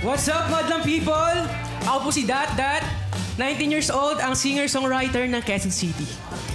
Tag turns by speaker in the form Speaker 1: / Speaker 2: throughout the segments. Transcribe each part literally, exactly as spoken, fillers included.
Speaker 1: What's up, madlang people? Ako po si Dat Dat, nineteen years old, ang singer-songwriter ng Quezon City.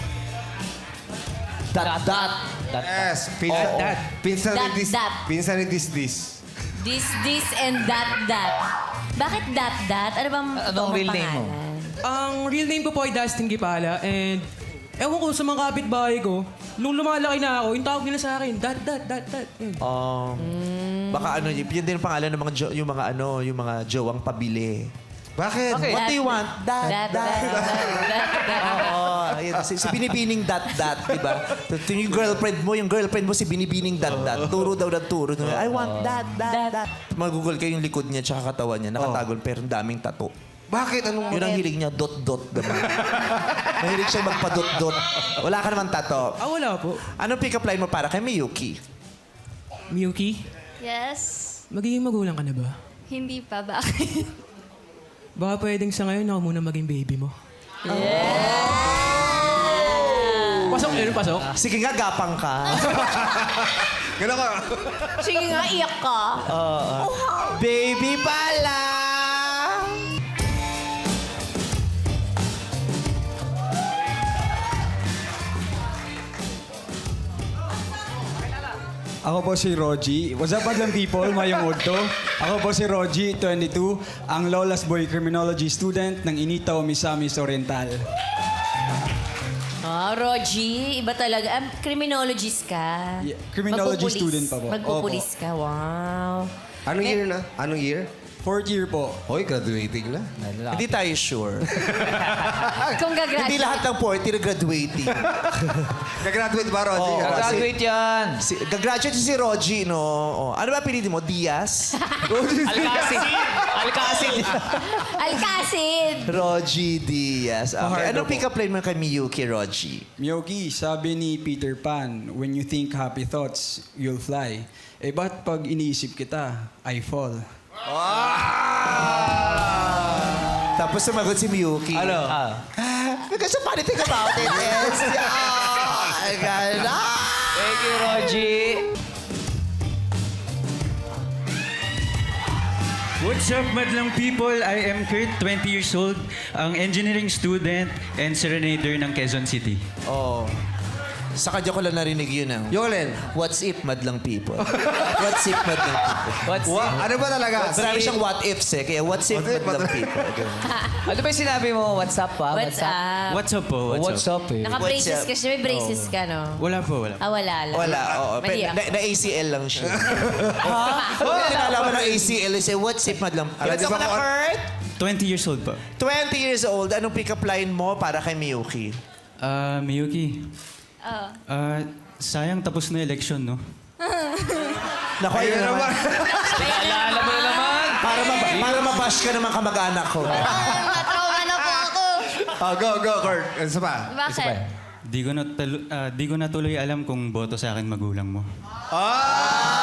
Speaker 2: Dat, dat.
Speaker 3: Yes, pinsan,
Speaker 1: Oh, that.
Speaker 3: pinsan
Speaker 4: That,
Speaker 3: ni this,
Speaker 4: that.
Speaker 3: pinsan ni this, this.
Speaker 4: This, this, and that, that. Bakit that, that? Ano bang
Speaker 2: Anong
Speaker 4: totoong
Speaker 2: real name mo?
Speaker 4: pangalan?
Speaker 1: Ang real name ko po ay Dustin Gipala and ewan ko sa mga kapitbahay ko, nung lumalaki na ako, yung tawag nila sa akin, Dat Dat Dat Dat. Yun.
Speaker 5: Um, Baka ano, yun din ang pangalan ng mga jo- yung mga ano, yung mga jowang pabili.
Speaker 3: Bakit?
Speaker 2: Okay.
Speaker 5: What do you want? Dat,
Speaker 4: That,
Speaker 5: dat.
Speaker 4: that, that, that, that.
Speaker 5: Oo, ayun. Si, si Binibining dat dat, di ba? Yung girlfriend mo, yung girlfriend mo si Binibining dat dat. Turo daw ng turo. I want dat, dat, dat. Mag-google kayo yung likod niya tsaka katawan niya. Nakatagol pero ang daming tato.
Speaker 3: Bakit? Anong...
Speaker 5: Yun ang hilig niya, dot dot diba? Mahilig siya magpa-dot dot. Wala ka naman tato.
Speaker 1: Ah, wala po.
Speaker 5: Anong pick-up line mo para kay Miyuki?
Speaker 1: Miyuki,
Speaker 6: Yes.
Speaker 1: magiging magulang ka na ba?
Speaker 6: Hindi pa. Bakit?
Speaker 1: Baka pwedeng sa ngayon ako muna maging baby mo. Pasok, yun, pasok.
Speaker 5: Sige nga, gapang ka.
Speaker 3: Gano'n ka?
Speaker 4: Sige nga, iyak ka.
Speaker 5: Baby pala!
Speaker 7: Ako po si Roji. What's up, madlang people? Mayong udto. Ako po si Roji, twenty-two, ang Lola's Boy Criminology student ng Initaw Misamis Oriental.
Speaker 4: Ah, Roji, iba talaga. Um, criminologist ka.
Speaker 7: Yeah, criminology
Speaker 4: Magpupulis.
Speaker 7: student pa po.
Speaker 4: Magpupulis ka, wow.
Speaker 3: Anong year na? Anong year?
Speaker 7: Fourth year po.
Speaker 3: Hoy, graduating na.
Speaker 5: Hindi tayo sure.
Speaker 4: Kung
Speaker 5: Hindi
Speaker 4: gagraduate.
Speaker 5: lahat ng fourth year graduating.
Speaker 3: Nag-graduate ba, Rosie?
Speaker 5: Oo.
Speaker 2: Graduate yan.
Speaker 5: Si, gagraduate si Roji, no? Oh. Ano ba pinili mo? Diaz?
Speaker 2: Alcacid. Alcacid.
Speaker 4: Alcacid!
Speaker 5: Roji Diaz. Okay.
Speaker 7: Pahardo
Speaker 5: Anong
Speaker 7: po.
Speaker 5: pick-up line mo kay Miyuki, Roji?
Speaker 7: Miyogi, sabi ni Peter Pan, when you think happy thoughts, you'll fly. Eh, ba't pag iniisip kita, I fall?
Speaker 5: Tapos sumagot si Miyuki.
Speaker 2: Ano? Ah.
Speaker 5: Because the funny thing about it is... Oh, my God. Ah!
Speaker 2: Thank you, Roji.
Speaker 8: What's up, madlang people? I am Kurt, twenty years old, ang engineering student and serenader ng Quezon City.
Speaker 5: Oh. Sa kadyo ko lang narinig yun ang...
Speaker 3: Yung alin?
Speaker 5: What's if, madlang people? What's if, madlang people?
Speaker 2: What's
Speaker 3: Wa- ano ba talaga?
Speaker 5: Marami siyang what ifs eh. Kaya what's if,
Speaker 3: What if,
Speaker 5: madlang
Speaker 3: madlang-
Speaker 5: people? Ganun.
Speaker 2: Ano ba yung sinabi mo? What's up, pa?
Speaker 4: What's up?
Speaker 8: What's up po? What's,
Speaker 2: What's
Speaker 8: up?
Speaker 2: up, eh?
Speaker 4: Naka-braces
Speaker 5: What's up?
Speaker 4: ka siya. May braces ka, no?
Speaker 8: Wala po, wala.
Speaker 4: Ah, wala lang.
Speaker 5: Wala, oo. Pero
Speaker 4: Mahirap.
Speaker 5: na, na-A C L lang siya. Ha? Oh, kinalaman ng A C L is eh, what's if, madlang people?
Speaker 3: Alam niyo
Speaker 5: Ito
Speaker 3: ba
Speaker 5: ka na,
Speaker 3: kung-
Speaker 5: Kurt?
Speaker 8: twenty years old pa.
Speaker 5: twenty years old. Anong pick-up line mo para kay Miyuki?
Speaker 8: Ah, Miyuki.
Speaker 6: Oo.
Speaker 8: Ah, sayang tapos na election, no?
Speaker 5: Naku, ayun
Speaker 3: Ayun
Speaker 5: naman.
Speaker 3: naman.
Speaker 2: Naalala mo na naman.
Speaker 5: Para, mab- para mabash ka naman kamag-anak ko.
Speaker 6: Matrauma na po ako.
Speaker 3: Oh, go, go, Kurt. Ano pa?
Speaker 6: Bakit?
Speaker 8: Di ko, na talo- ah, di ko na tuloy alam kung boto sa akin magulang mo.
Speaker 3: Ah!